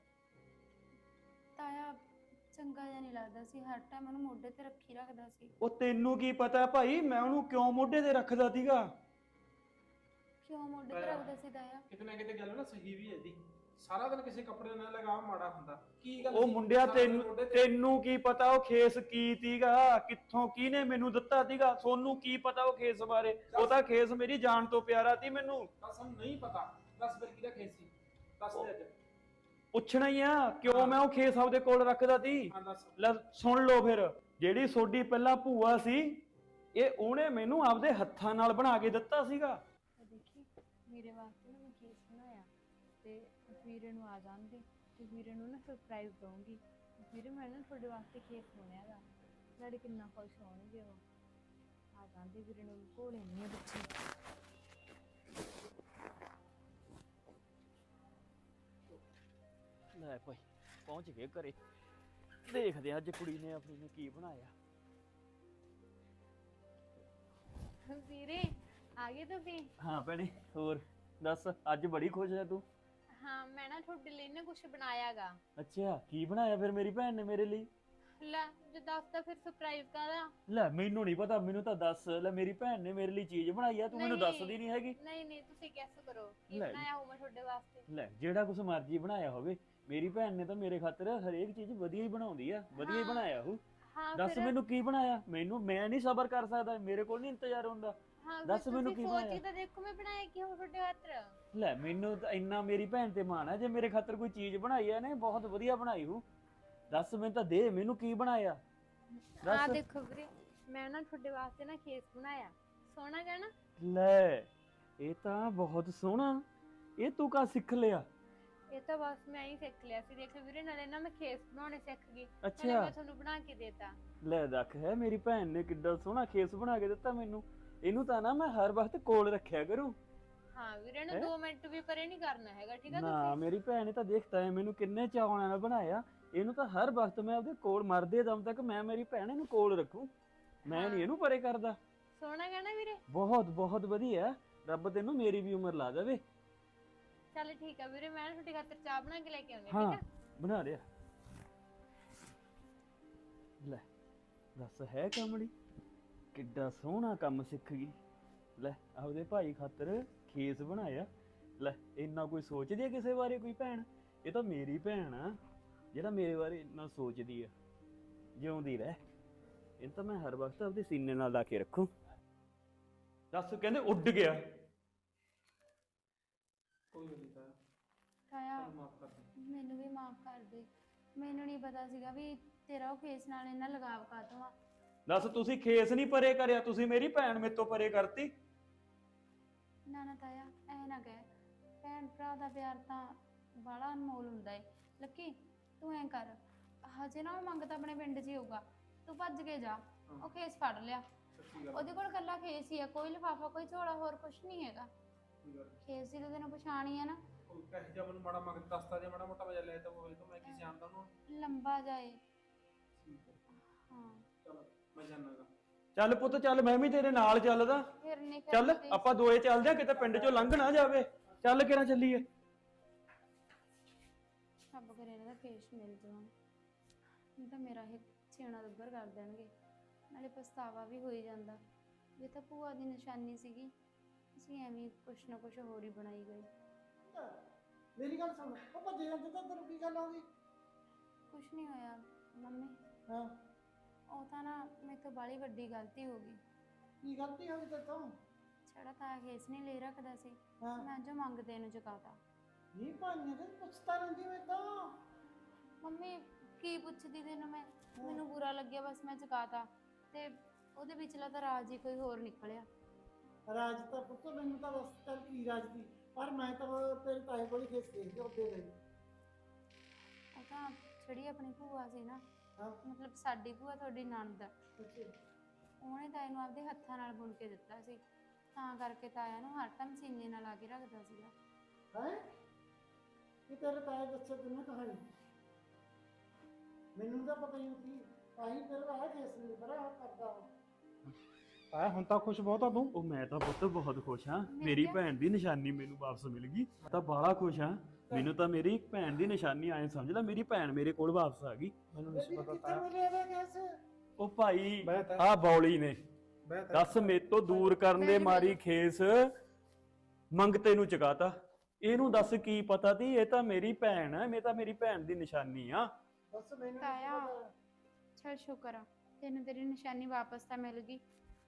ਤਾਇਆ ਚੰਗਾ ਜਿਹਾ ਨਹੀਂ ਲੱਗਦਾ ਸੀ, ਹਰ ਟਾਈਮ ਉਹਨੂੰ ਮੋਢੇ ਤੇ ਰੱਖੀ ਰੱਖਦਾ ਸੀ।
ਉਹ ਤੈਨੂੰ ਕੀ ਪਤਾ ਭਾਈ ਮੈਂ ਉਹਨੂੰ ਕਿਉਂ ਮੋਢੇ ਤੇ ਰੱਖਦਾ ਸੀਗਾ?
ਕਿਉਂ ਮੋਢੇ ਤੇ
ਤਾਇਆ।
ਰੱਖਦਾ ਸੀ ਤਾਇਆ?
ਕਿਤੇ ਨਾ ਕਿਤੇ ਗੱਲ ਨਾ ਸਹੀ ਵੀ ਹੈ ਜੀ। ਸਾਰਾ ਦਿਨ ਕਿਸੇ ਕੱਪੜੇ ਨਾਲ ਲਗਾਵ ਮਾੜਾ ਹੁੰਦਾ। ਕੀ ਗੱਲ
ਉਹ
ਸੀ?
ਮੁੰਡਿਆ
ਸਾਰਾ ਦਿਨ
ਤੈਨੂੰ
ਮੋਢੇ ਤੇ-
ਤੈਨੂੰ ਕੀ ਪਤਾ ਉਹ ਖੇਸ ਕੀ ਤੀਗਾ, ਕਿੱਥੋਂ ਕਿਹਨੇ ਮੈਨੂੰ ਦਿੱਤਾ ਤੀਗਾ? ਸੋਨੂੰ ਕੀ ਪਤਾ ਉਹ ਖੇਸ ਬਾਰੇ? ਉਹ ਤਾਂ ਖੇਸ ਮੇਰੀ ਜਾਨ ਤੋਂ ਪਿਆਰਾ ਤੀ ਮੈਨੂੰ।
ਦੱਸ ਸਾਨੂੰ ਨਹੀਂ ਪਤਾ। ਦੱਸ ਫਿਰ ਕਿਹਦਾ ਖੇਸ ਸੀ? ਦੱਸ ਦੇ ਅੱਜ।
ਪੁੱਛਣਾ ਹੀ ਆ ਕਿਉਂ ਮੈਂ ਉਹ ਖੇਸ ਆਪਦੇ ਕੋਲ ਰੱਖਦਾ ਤੀ।
ਹਾਂ ਦੱਸ।
ਲੈ ਸੁਣ ਲਓ ਫਿਰ, ਜਿਹੜੀ ਸੋਡੀ ਪਹਿਲਾਂ ਭੂਆ ਸੀ, ਇਹ ਉਹਨੇ ਮੈਨੂੰ ਆਪਦੇ ਹੱਥਾਂ ਨਾਲ ਬਣਾ ਕੇ ਦਿੱਤਾ ਸੀਗਾ।
ਤਾਂ ਦੇਖੀ ਵੀਰੇ ਵਾਸਤੇ ਨਾ ਮੈਂ ਕੇਸ ਬਣਾਇਆ ਤੇ ਵੀਰੇ ਨੂੰ ਆ ਜਾਂਦੇ ਤੇ ਵੀਰੇ ਨੂੰ ਨਾ ਸਰਪ੍ਰਾਈਜ਼ ਦਊਂਗੀ। ਵੀਰੇ ਮੈਂ ਨਾ ਤੁਹਾਡੇ ਵਾਸਤੇ ਕੇਸ ਬਣਾਇਆ ਗਾ, ਨਾਲੇ ਕਿੰਨਾ ਖੁਸ਼ ਹੋਣਗੇ ਉਹ। ਆ ਜਾਂਦੇ ਵੀਰੇ ਨੂੰ ਕੋਲੇ ਨਹੀਂ ਬੱਚੇ।
ਲੈ ਭਾਈ ਪਹੁੰਚ ਗਏ ਘਰੇ, ਦੇਖਦੇ ਆ ਅੱਜ ਕੁੜੀ ਨੇ ਆਪਣੀ ਨੇ ਕੀ ਬਣਾਇਆ।
ਵੀਰੇ ਆ ਗਏ ਤੁਸੀਂ?
ਹਾਂ ਭੈਣੇ, ਹੋਰ ਦੱਸ, ਅੱਜ ਬੜੀ ਖੁਸ਼ ਹੈ ਤੂੰ।
ਹਾਂ ਮੈਂ ਨਾ ਤੁਹਾਡੇ ਲਈ ਨਾ ਕੁਝ ਬਣਾਇਆਗਾ।
ਅੱਛਾ, ਕੀ ਬਣਾਇਆ ਫਿਰ ਮੇਰੀ ਭੈਣ ਨੇ ਮੇਰੇ ਲਈ?
ਲੈ ਜੇ ਦੱਸਦਾ ਫਿਰ ਸਰਪ੍ਰਾਈਜ਼ ਕਰਾਂ।
ਲੈ ਮੈਨੂੰ ਨਹੀਂ ਪਤਾ, ਮੈਨੂੰ ਤਾਂ ਦੱਸ। ਲੈ ਮੇਰੀ ਭੈਣ ਨੇ ਮੇਰੇ ਲਈ ਚੀਜ਼ ਬਣਾਈ ਆ, ਤੂੰ ਮੈਨੂੰ
ਨਹੀਂ।
ਦੱਸਦੀ ਨਹੀਂ ਹੈਗੀ।
ਨਹੀਂ ਨਹੀਂ ਤੁਸੀਂ ਗੈਸ ਕਰੋ ਕੀ
ਲੈ।
ਬਣਾਇਆ ਹੋ ਮੈਂ ਤੁਹਾਡੇ ਵਾਸਤੇ।
ਲੈ ਜਿਹੜਾ ਕੁਛ ਮਰਜ਼ੀ ਬਣਾਇਆ ਹੋਵੇ, ਮੇਰੀ ਭੈਣ ਨੇ ਤਾਂ ਮੇਰੇ ਖਾਤਰ ਹਰੇਕ ਚੀਜ਼ ਵਧੀਆ ਹੀ ਬਣਾਉਂਦੀ ਆ, ਵਧੀਆ ਹੀ
ਹਾਂ।
ਬਣਾਇਆ ਉਹ।
ਹਾਂ
ਦੱਸ
ਫਿਰ-
ਮੈਨੂੰ ਕੀ ਬਣਾਇਆ? ਮੈਨੂੰ ਮੈਂ ਨਹੀਂ ਸਬਰ ਕਰ ਸਕਦਾ, ਮੇਰੇ ਕੋਲ ਨਹੀਂ ਇੰਤਜ਼ਾਰ ਹੁੰਦਾ।
ਹਾਂ
ਦੱਸ
ਫਿਰ
ਮੈਨੂੰ
ਤੁਸੀਂ
ਕੀ
ਸੋਚ
ਬਣਾਇਆ?
ਕੇ ਤਾਂ ਦੇਖੋ ਮੈਂ ਬਣਾਇਆ ਕੀ ਹੋ ਤੁਹਾਡੇ ਖਾਤਰ।
ਲੈ ਮੈਨੂੰ ਤਾਂ ਇੰਨਾ ਮੇਰੀ ਭੈਣ ਤੇ ਮਾਣ ਹੈ, ਜੇ ਮੇਰੇ ਖਾਤਰ ਕੋਈ ਚੀਜ਼ ਬਣਾਈ ਆ ਨੇ ਬਹੁਤ ਵਧੀਆ ਬਣਾਈ ਹੂੰ। ਦੱਸ ਮੈਨੂੰ ਤਾਂ ਦੇ, ਮੈਨੂੰ ਕੀ ਬਣਾਇਆ
ਆ
ਦੱਸ।
ਦੇਖੋ ਵੀਰੇ ਮੈਂ ਨਾ ਤੁਹਾਡੇ ਵਾਸਤੇ ਨਾ ਕੇਸ ਬਣਾਇਆ, ਸੋਹਣਾ ਗਾ ਨਾ?
ਲੈ ਇਹ ਤਾਂ ਬਹੁਤ ਸੋਹਣਾ, ਇਹ ਤੂੰ ਕਾ ਸਿੱਖ ਲਿਆ?
ਇਹ ਤਾਂ ਬਸ ਮੈਂ ਹੀ ਸਿੱਖ ਲਿਆ ਸੀ। ਦੇਖ ਵੀਰੇ ਨਾਲੇ ਨਾ ਮੈਂ ਖੇਸ ਬਣਾਉਣੇ ਸਿੱਖ ਗਈ, ਨਾਲੇ
ਅੱਛਾ
ਮੈਂ ਤੁਹਾਨੂੰ ਬਣਾ ਕੇ ਦੇਤਾ।
ਲੈ ਦੇਖ, ਹੈ ਮੇਰੀ ਭੈਣ ਨੇ ਕਿੱਡਾ ਸੋਹਣਾ ਖੇਸ ਬਣਾ ਕੇ ਦਿੱਤਾ ਮੈਨੂੰ। ਇਹਨੂੰ ਤਾਂ ਨਾ ਮੈਂ ਹਰ ਵਕਤ ਕੋਲ ਰੱਖਿਆ ਕਰੂੰ।
ਹਾਂ ਵੀਰੇ ਨੂੰ
ਹੈਂ?
ਦੋ ਮਿੰਟ ਵੀ ਪਰੇ ਨਹੀਂ ਕਰਨਾ ਹੈਗਾ, ਠੀਕ ਆ
ਨਾ
ਤੁਸੀਂ?
ਮੇਰੀ ਭੈਣ ਨੇ ਤਾਂ ਦੇਖਤਾ ਹੈ ਮੈਨੂੰ ਕਿੰਨੇ ਚਾਵਾਂ ਨਾਲ ਬਣਾਇਆ। ਇਹਨੂੰ ਤਾਂ ਹਰ ਵਕਤ ਮੈਂ ਆਪਦੇ ਕੋਲ ਮਰਦੇ ਦਮ ਤੱਕ ਮੈਂ ਮੇਰੀ ਭੈਣ ਇਹਨੂੰ ਕੋਲ ਰੱਖੂ, ਮੈਂ ਨਹੀਂ
ਹਾਂ।
ਇਹਨੂੰ ਪਰੇ ਕਰਦਾ।
ਸੋਹਣਾ ਗਾ ਨਾ ਵੀਰੇ?
ਬਹੁਤ ਬਹੁਤ ਵਧੀਆ, ਰੱਬ ਤੈਨੂੰ ਮੇਰੀ ਵੀ ਉਮਰ ਲਾ ਦੇਵੇ।
ਚੱਲ ਠੀਕ ਆ ਵੀਰੇ, ਮੈਂ ਨਾ ਤੁਹਾਡੇ ਖਾਤਰ ਚਾਹ ਬਣਾ ਕੇ ਲੈ ਕੇ ਆਉਂਦੀ
ਹਾਂ
ਠੀਕ ਆ?
ਬਣਾ ਲਿਆ। ਲੈ ਦੱਸ, ਹੈ ਕਮਲੀ ਕਿੱਡਾ ਸੋਹਣਾ ਕੰਮ ਸਿੱਖ ਗਈ। ਲੈ ਆਪਦੇ ਭਾਈ ਖਾਤਰ ਖੇਸ ਬਣਾਇਆ। ਲੈ ਇੰਨਾ ਕੋਈ ਸੋਚਦੀ ਹੈ ਕਿਸੇ ਬਾਰੇ ਕੋਈ ਭੈਣ? ਇਹ ਤਾਂ ਮੇਰੀ ਭੈਣ ਆ ਜਿਹੜਾ ਮੇਰੇ ਬਾਰੇ ਇੰਨਾ ਸੋਚਦੀ ਆ। ਜਿਉਂਦੀ ਰਹਿ, ਇਹ ਤਾਂ ਮੈਂ ਹਰ ਵਕਤ ਆਪਦੇ ਸੀਨੇ ਨਾਲ ਲਾ ਕੇ ਰੱਖੂ। ਦੱਸ ਕਹਿੰਦੇ ਉੱਡ ਗਿਆ।
ਕੋਈ ਗੱਲ ਨਹੀਂ ਤਾਇਆ,
ਤਾਇਆ
ਤੁਹਾਨੂੰ ਮਾਫ ਕਰ ਦੇ।
ਮੈਨੂੰ ਵੀ ਮਾਫ ਕਰ ਦੇ, ਮੈਨੂੰ ਨਹੀਂ ਪਤਾ ਸੀਗਾ ਵੀ ਤੇਰਾ ਉਹ ਖੇਸ ਨਾਲ ਇੰਨਾ ਲਗਾਵ ਕਾਹਤੋਂ ਆ।
ਦੱਸ ਤੁਸੀਂ ਖੇਸ ਨਹੀਂ ਪਰੇ ਕਰਿਆ, ਤੁਸੀਂ ਮੇਰੀ ਭੈਣ ਮੇਰੇ ਤੋਂ ਪਰੇ ਕਰਤੀ।
ਨਾ ਨਾ ਤਾਇਆ ਐ ਨਾ ਕਹਿ, ਭੈਣ ਭਰਾ ਦਾ ਪਿਆਰ ਤਾਂ ਬੜਾ ਅਨਮੋਲ ਹੁੰਦਾ ਏ। ਲੱਕੀ ਤੂੰ ਐਂ ਕਰ, ਹਜੇ ਨਾ ਉਹ ਮੰਗਤਾ ਆਪਣੇ ਪਿੰਡ 'ਚ ਹੀ ਹੋਊਗਾ, ਤੂੰ ਭੱਜ ਕੇ ਜਾ, ਉਹ ਖੇਸ ਫੜ ਲਿਆ।
ਸੱਚੀ ਗੱਲ।
ਉਹਦੇ ਕੋਲ ਕੱਲਾ ਖੇਸ ਹੀ ਆ, ਕੋਈ ਲਿਫਾਫਾ ਕੋਈ ਝੋਲਾ ਹੋਰ ਕੁਛ ਨਹੀਂ ਹੈਗਾ।
ਕੋਈ ਗੱਲ ਨੀ।
ਖੇਸ ਦੀ ਤਾਂ ਤੈਨੂੰ ਪਛਾਣ ਹੀ ਆ ਨਾ,
ਕੋਈ ਕਹੇ ਜਾ ਮੈਨੂੰ ਮਾੜਾ ਮਗਰ ਦੱਸਦਾ ਜੇ ਮਾੜਾ ਮੋਟਾ ਵਜਾ ਲੈ ਤਾਂ ਹੋਵੇ ਤਾਂ ਮੈਂ ਕੀ ਜਾਣਦਾ ਉਹਨੂੰ।
ਲੰਬਾ ਜਾਏ।
ਠੀਕ ਹੈ,
ਹਾਂ
ਚਲੋ ਮੈਂ ਜਾਣਾਗਾ।
ਚੱਲ ਪੁੱਤ ਚੱਲ, ਮੈਂ ਵੀ ਤੇਰੇ ਨਾਲ ਚੱਲਦਾ।
ਫਿਰ ਨਹੀਂ ਫਿਰ
ਚੱਲ
ਕਦੇ-
ਆਪਾਂ ਦੋਏ ਚੱਲਦੇ ਆ, ਕਿਤੇ ਪਿੰਡ ਚੋਂ ਲੰਘ ਨਾ ਜਾਵੇ। ਚੱਲ ਕਿਹੜਾ ਚੱਲੀਏ।
ਰੱਬ ਕਰੇ ਇਹਨਾਂ ਦਾ ਖੇਸ ਮਿਲ ਜਾਵਾਂ, ਨਹੀਂ ਤਾਂ ਮੇਰਾ ਇਹ ਛੇਣਾ ਦੁੱਬਰ ਕਰ ਦੇਣਗੇ। ਨਾਲੇ ਪਛਤਾਵਾ ਵੀ ਹੋਈ ਜਾਂਦਾ, ਇਹ ਤਾਂ ਭੂਆ ਦੀ ਨਿਸ਼ਾਨੀ ਸੀਗੀ, ਅਸੀਂ ਐਵੇਂ ਹੀ ਕੁਛ ਨਾ ਕੁਛ ਹੋਰ ਹੀ ਬਣਾਈ ਗਏ।
ਮੇਰੀ ਗੱਲ ਸੁਣ, ਉਹ ਭੱਜੇ ਜਾਂਦੇ ਤਾਂ ਤੈਨੂੰ ਕੀ ਗੱਲ ਹੋ ਗਈ?
ਕੁਛ ਨਹੀਂ ਹੋਇਆ ਮੰਮੀ,
ਹਾਂ,
ਉਹ ਤਾਂ ਨਾ ਮੇਰੇ ਤੋਂ ਬਾਹਲੀ ਵੱਡੀ ਗਲਤੀ ਹੋ ਗਈ।
ਕੀ ਗਲਤੀ ਹੋ ਗਈ ਤੇਰੇ ਤੋਂ?
ਛੜਾ ਤਾਂ ਖੇਸ ਨਹੀਂ ਲੈ ਰੱਖਦਾ ਸੀ,
ਹਾਂ,
ਮੈਂ ਜੋ ਮੰਗਦੇ ਨੂੰ ਚੁਕਾਤਾ।
ਨਹੀਂ ਭਾਈਆਂ ਤੇ ਪੁੱਛਤਾ ਰਹਿੰਦੀ ਮੈਂ ਤਾਂ।
ਮੰਮੀ ਕੀ ਪੁੱਛਦੀ ਤੈਨੂੰ ਮੈਂ, ਮੈਨੂੰ ਬੁਰਾ ਲੱਗਿਆ ਬਸ ਮੈਂ ਚੁਕਾਤਾ, ਤੇ ਉਹਦੇ ਵਿਚਲਾ ਤਾਂ ਰਾਜ ਹੀ ਕੋਈ ਹੋਰ ਨਿਕਲਿਆ।
ਰਾਜ ਤਾਂ ਪੁੱਤ ਮੈਨੂੰ ਤਾਂ ਬਸ ਚੱਲ ਕੀ ਰਾਜ ਦੀ, ਪਰ ਮੈਂ ਤਾਂ ਤੇਰੇ ਤਾਏ ਕੋਲ ਹੀ ਖੇਸ ਦੇਖ ਕੇ ਉੱਤੇ ਗਈ।
ਉਹ ਤਾਂ ਜਿਹੜੀ ਆਪਣੀ ਭੂਆ ਸੀ ਨਾ,
ਹਾਂ,
ਮਤਲਬ ਸਾਡੀ ਭੂਆ ਤੁਹਾਡੀ ਨਣਦ,
ਅੱਛਾ,
ਉਹਨੇ ਤਾਏ ਨੂੰ ਆਪਦੇ ਹੱਥਾਂ ਨਾਲ ਬੁਣ ਕੇ ਦਿੱਤਾ ਸੀ, ਤਾਂ ਕਰਕੇ ਤਾਇਆ ਨੂੰ ਹਰ ਟਾਈਮ ਸੀਨੇ ਨਾਲ ਲਾ ਕੇ ਰੱਖਦਾ ਸੀਗਾ।
ਹੈ ਕਿ ਤੇਰੇ ਤਾਏ ਦੱਸੇ ਤੈਨੂੰ ਕਹਾਣੀ? ਮੈਨੂੰ ਤਾਂ ਪਤਾ ਹੀ ਨਹੀਂ ਸੀ, ਆਹੀ ਤੇਰੇ ਤਾਏ ਖੇਸ ਨਹੀਂ ਬੜਾ ਕਰਦਾ।
ਤਾਇਆ ਹੁਣ ਤਾਂ ਖੁਸ਼ ਬਹੁਤ ਆ ਤੂੰ।
ਉਹ ਮੈਂ ਤਾਂ ਪੁੱਤ ਬਹੁਤ ਖੁਸ਼ ਹਾਂ,
ਮਿਲ
ਮੇਰੀ
ਗਿਆ?
ਭੈਣ ਦੀ ਨਿਸ਼ਾਨੀ ਮੈਨੂੰ ਵਾਪਸ ਮਿਲ ਗਈ। ਮੈਂ ਤਾਂ ਬਾਹਲਾ ਖੁਸ਼ ਹਾਂ, ਮੈਨੂੰ ਤਾਂ ਮੇਰੀ ਭੈਣ ਦੀ ਨਿਸ਼ਾਨੀ ਆਏ ਸਮਝ ਲੈ, ਮੇਰੀ ਭੈਣ ਮੇਰੇ ਕੋਲ ਵਾਪਸ ਆ ਗਈ।
ਮੈਨੂੰ
ਬੇਬੀ
ਨਹੀਂ ਪਤਾ
ਕਿੱਥੇ
ਤਾਇਆ।
ਮਿਲੇ ਵੇ ਖੇਸ?
ਉਹ ਭਾਈ
ਬਹਿ ਤਾਇਆ,
ਆ ਬੌਲੀ ਨੇ
ਬਹਿ ਤਾਇਆ।
ਦੱਸ ਮੇਰੇ ਤੋਂ ਦੂਰ ਕਰਨ ਦੇ
ਬੈਠ
ਮਾਰੀ
ਬੈਠ।
ਖੇਸ ਮੰਗਤੇ ਨੂੰ ਚਕਾਤਾ। ਇਹਨੂੰ ਦੱਸ ਕੀ ਪਤਾ ਤੀ ਇਹ ਤਾਂ ਮੇਰੀ ਭੈਣ ਹੈ, ਇਹ ਤਾਂ ਮੇਰੀ ਭੈਣ ਦੀ ਨਿਸ਼ਾਨੀ ਆ।
ਬਸ ਮੈਨੂੰ ਨੀ
ਤਾਇਆ।
ਪਤਾ।
ਚਲ ਸ਼ੁਕਰ ਆ ਤੈਨੂੰ ਤੇਰੀ ਨਿਸ਼ਾਨੀ ਵਾਪਸ ਤਾਂ ਮਿਲ ਗਈ।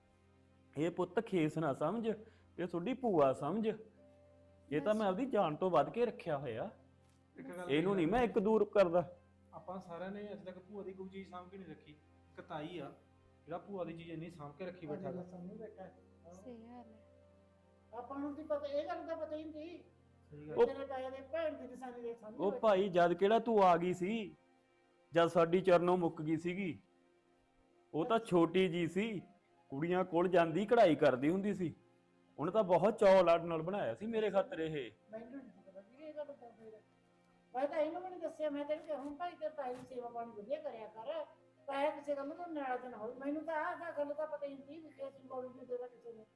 ਇਹ ਪੁੱਤ ਖੇਸ ਨਾ ਸਮਝ, ਇਹ ਤੁਹਾਡੀ ਭੂਆ ਸਮਝ। ਇਹ ਤਾਂ ਮੈਂ ਆਪਦੀ ਜਾਨ ਤੋਂ ਵੱਧ ਕੇ ਰੱਖਿਆ ਹੋਇਆ।
ਇੱਕ ਗੱਲ
ਇਹਨੂੰ ਨਹੀਂ ਮੈਂ ਇੱਕ ਦੂਰ ਕਰਦਾ।
ਆਪਾਂ ਸਾਰਿਆਂ ਨੇ ਅੱਜ ਤੱਕ ਭੂਆ ਦੀ ਕੋਈ ਚੀਜ਼ ਸਾਂਭ ਕੇ ਨਹੀਂ ਰੱਖੀ। ਇੱਕ ਤਾਈ ਆ ਜਿਹੜਾ ਭੂਆ ਦੀ ਚੀਜ਼ ਇੰਨੀ ਸਾਂਭ ਕੇ ਰੱਖੀ ਬੈਠਾ ਗਾ।
ਸਾਨੂੰ ਬੈਠਾ ਹੈ।
ਸਹੀ ਗੱਲ ਹੈ।
ਆਪਾਂ ਨੂੰ ਕੀ ਪਤਾ, ਇਹ ਗੱਲ ਦਾ ਪਤਾ ਹੀ ਨਹੀਂ।
ਸਹੀ
ਉਹ-
ਗੱਲ
ਤੇਰੇ ਤਾਇਆ ਦੇ ਭੈਣ ਦੀ ਨਿਸ਼ਾਨੀ ਦੇ ਸਾਹਮਣੇ
ਉਹ
ਬੈਠਾ।
ਭਾਈ ਜਦ ਕਿਹੜਾ ਤੂੰ ਆ ਗਈ ਸੀ, ਜਦ ਸਾਡੀ ਚਰਨੋਂ ਮੁੱਕ ਗਈ ਸੀਗੀ। ਉਹ ਤਾਂ ਛੋਟੀ ਜੀ ਸੀ, ਕੁੜੀਆਂ ਕੋਲ ਜਾਂਦੀ ਕਢਾਈ ਕਰਦੀ ਹੁੰਦੀ ਸੀ। ਉਹਨੇ ਤਾਂ ਬਹੁਤ ਚੌ ਲਾਡ ਨਾਲ ਬਣਾਇਆ ਸੀ ਮੇਰੇ ਖਾਤਰ ਇਹ।
ਮੈਨੂੰ ਨਹੀਂ ਪਤਾ ਵੀਰੇ ਇਹ ਗੱਲ ਦਾ ਫਿਰ। ਮੈਂ ਤਾਂ ਇਹਨੂੰ ਵੀ ਨਹੀਂ ਦੱਸਿਆ। ਮੈਂ ਤੈਨੂੰ ਕਿਹਾ ਹੁਣ ਭਾਈ ਤੇਰੇ ਤਾਏ ਦੀ ਸੇਵਾ ਪਾਣੀ ਵਧੀਆ ਕਰਿਆ ਕਰ। ਤਾਇਆ ਕਿਸੇ ਗੱਲ ਨੂੰ ਨਾਰਾਜ਼ ਨਾ ਹੋਵੇ। ਮੈਨੂੰ ਤਾਂ ਆਹ ਗੱਲ ਦਾ ਪਤਾ ਹੀ ਨਹੀਂ ਵੀ ਕੇਸ ਬੋਲ ਵੀ ਦੇਦਾ ਕਿਸੇ ਨੇ।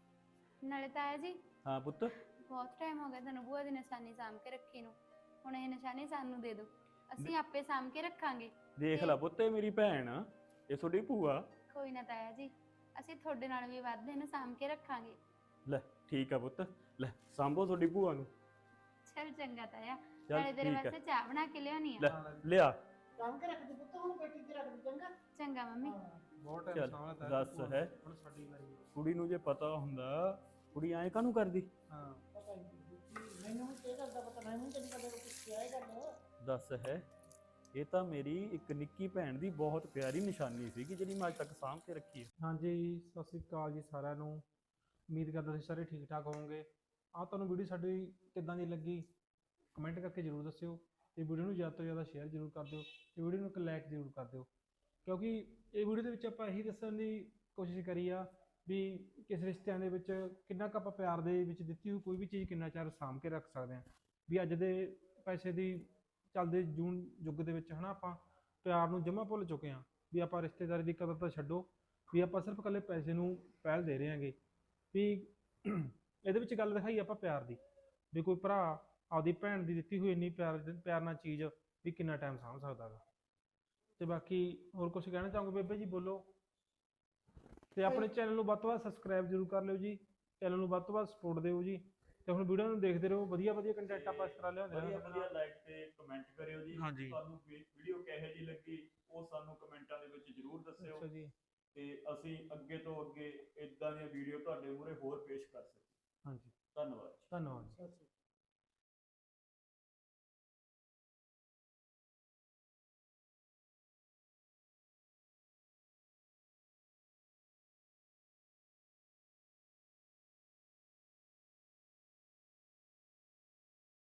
ਨਾਲੇ ਤਾਇਆ ਜੀ
ਹਾਂ ਪੁੱਤ,
ਬਹੁਤ ਟਾਈਮ ਹੋ ਗਿਆ ਤੈਨੂੰ ਬੂਆ ਦੀ ਨਿਸ਼ਾਨੀ ਸਾਂਭ ਕੇ ਰੱਖੀ ਨੂੰ। ਹੁਣ ਇਹ ਨਿਸ਼ਾਨੀ ਸਾਨੂੰ ਦੇ ਦਿਓ, ਅਸੀਂ ਆਪੇ ਸਾਂਭ ਕੇ ਰੱਖਾਂਗੇ।
ਦੇਖ ਲੈ ਪੁੱਤ, ਇਹ ਮੇਰੀ ਭੈਣ ਆ, ਇਹ ਤੁਹਾਡੀ ਭੂਆ।
ਕੋਈ ਨਾ ਤਾਇਆ ਜੀ, ਅਸੀਂ ਤੁਹਾਡੇ ਨਾਲ ਵੀ ਵੱਧ ਇਹਨੂੰ ਸਾਂਭ ਕੇ ਰੱਖਾਂਗੇ।
ਲੈ ਠੀਕ ਆ ਪੁੱਤ, ਲੈ ਸਾਂਭੋ ਤੁਹਾਡੀ ਭੂਆ ਨੂੰ।
ਚਲ ਚੰਗਾ ਤਾਇਆ,
ਚੱਲ
ਨਾਲੇ ਤੇਰੇ
ਠੀਕ ਆ।
ਵਾਸਤੇ ਚਾਹ ਬਣਾ ਕੇ ਲਿਆਉਣੀ
ਲੈ
ਆ।
ਲਿਆ।
ਕੰਮ ਕੇ ਰੱਖ ਦੇ ਪੁੱਤ, ਹੁਣ ਬੇਟੀ ਤੇ ਰੱਖ ਦੇ ਚੰਗਾ।
ਚੰਗਾ ਮੰਮੀ।
ਹਾਂ।
ਬਹੁਤ ਟਾਈਮ
ਚੱਲ,
ਸਾਂਭਿਆ ਤਾਇਆ
ਦੱਸ
ਭੂਆ ਨੂੰ।
ਹੈ।
ਹੁਣ ਸਾਡੀ ਵਾਰੀ ਹੈ।
ਕੁੜੀ ਨੂੰ ਜੇ ਪਤਾ ਹੁੰਦਾ, ਕੁੜੀ ਐਂ ਕਾਹਨੂੰ ਕਰਦੀ?
ਹਾਂ
ਪਤਾ ਹੀ ਨਹੀਂ। ਮੈਨੂੰ ਵੀ ਇਹ ਗੱਲ ਦਾ ਪਤਾ। ਮੈਂ ਵੀ ਤੈਨੂੰ ਕਦੇ ਕੁਝ ਕਿਹਾ ਇਹ ਗੱਲ।
ਦੱਸ ਹੈ। ਇਹ ਤਾਂ ਮੇਰੀ ਇੱਕ ਨਿੱਕੀ ਭੈਣ ਦੀ ਬਹੁਤ ਪਿਆਰੀ ਨਿਸ਼ਾਨੀ ਸੀਗੀ ਜਿਹੜੀ ਮੈਂ ਅੱਜ ਤੱਕ ਸਾਂਭ ਕੇ ਰੱਖੀ ਹੈ।
ਹਾਂਜੀ, ਸਤਿ ਸ਼੍ਰੀ ਅਕਾਲ ਜੀ ਸਾਰਿਆਂ ਨੂੰ। ਉਮੀਦ ਕਰਦਾ ਤੁਸੀਂ ਸਾਰੇ ਠੀਕ ਠਾਕ ਹੋਵੋਗੇ। ਆਹ ਤੁਹਾਨੂੰ ਵੀਡੀਓ ਸਾਡੀ ਕਿੱਦਾਂ ਦੀ ਲੱਗੀ ਕਮੈਂਟ ਕਰਕੇ ਜ਼ਰੂਰ ਦੱਸਿਓ, ਤੇ ਵੀਡੀਓ ਨੂੰ ਜ਼ਿਆਦਾ ਤੋਂ ਜ਼ਿਆਦਾ ਸ਼ੇਅਰ ਜ਼ਰੂਰ ਕਰ ਦਿਓ, ਤੇ ਵੀਡੀਓ ਨੂੰ ਇੱਕ ਲਾਈਕ ਜ਼ਰੂਰ ਕਰ ਦਿਓ। ਕਿਉਂਕਿ ਇਹ ਵੀਡੀਓ ਦੇ ਵਿੱਚ ਆਪਾਂ ਇਹੀ ਦੱਸਣ ਦੀ ਕੋਸ਼ਿਸ਼ ਕਰੀ ਆ ਵੀ ਕਿਸ ਰਿਸ਼ਤਿਆਂ ਦੇ ਵਿੱਚ ਕਿੰਨਾ ਕੁ ਆਪਾਂ ਪਿਆਰ ਦੇ ਵਿੱਚ ਦਿੱਤੀ ਹੋਈ ਕੋਈ ਵੀ ਚੀਜ਼ ਕਿੰਨਾ ਚਿਰ ਸਾਂਭ ਕੇ ਰੱਖ ਸਕਦੇ ਹਾਂ। ਵੀ ਅੱਜ ਦੇ ਪੈਸੇ ਦੀ ਚੱਲਦੇ ਜੂਨ ਯੁੱਗ ਦੇ ਵਿੱਚ ਹਨਾ ਆਪਾਂ ਪਿਆਰ ਨੂੰ ਜਮਾ ਭੁੱਲ ਚੁੱਕੇ ਹਾਂ। ਵੀ ਆਪਾਂ ਰਿਸ਼ਤੇਦਾਰੀ ਦੀ ਕਦਰ ਤਾਂ ਛੱਡੋ, ਵੀ ਆਪਾਂ ਸਿਰਫ ਇਕੱਲੇ ਪੈਸੇ ਨੂੰ ਪਹਿਲ ਦੇ ਰਹੇ ਹਾਂਗੇ। ਵੀ ਇਹਦੇ ਵਿੱਚ ਗੱਲ ਦਿਖਾਈ ਆਪਾਂ ਪਿਆਰ ਦੀ, ਵੀ ਕੋਈ ਭਰਾ ਆਪਦੀ ਭੈਣ ਦੀ ਦਿੱਤੀ ਹੋਈ ਇੰਨੀ ਪਿਆਰ ਪਿਆਰ ਨਾਲ ਚੀਜ਼ ਵੀ ਕਿੰਨਾ ਟਾਈਮ ਸਾਂਭ ਸਕਦਾ ਗਾ। ਤੇ ਬਾਕੀ ਹੋਰ ਕੁਝ ਕਹਿਣਾ ਚਾਹੋਗੇ ਬੇਬੇ ਜੀ? ਬੋਲੋ। ਤੇ ਆਪਣੇ ਚੈਨਲ ਨੂੰ ਵੱਧ ਤੋਂ ਵੱਧ ਸਬਸਕ੍ਰਾਈਬ ਜ਼ਰੂਰ ਕਰ ਲਿਓ ਜੀ, ਚੈਨਲ ਨੂੰ ਵੱਧ ਤੋਂ ਵੱਧ ਸਪੋਰਟ ਦਿਓ ਜੀ। ਤੇ ਹੁਣ ਵੀਡੀਓ ਨੂੰ ਦੇਖਦੇ ਰਹੋ, ਵਧੀਆ ਵਧੀਆ ਕੰਟੈਂਟ ਆਪਾਂ ਇਸ ਤਰ੍ਹਾਂ ਲਿਆਉਂਦੇ
ਵਧੀਆ
ਹਾਂ।
ਵਧੀਆ ਲਾਈਕ ਤੇ ਕਮੈਂਟ ਕਰਿਓ ਜੀ।
ਹਾਂਜੀ।
ਤੁਹਾਨੂੰ ਵੀਡੀਓ ਕਿਹੋ ਜਿਹੀ ਲੱਗੀ ਉਹ ਸਾਨੂੰ ਕਮੈਂਟਾਂ ਦੇ ਵਿੱਚ ਜ਼ਰੂਰ ਦੱਸਿਓ,
ਅੱਛਾ ਜੀ।
ਤੇ ਅਸੀਂ ਅੱਗੇ ਤੋਂ ਅੱਗੇ ਇਦਾਂ ਦੀਆਂ ਵੀਡੀਓ ਤੁਹਾਡੇ ਮੂਹਰੇ ਹੋਰ ਪੇਸ਼ ਕਰ ਸਕੀਏ।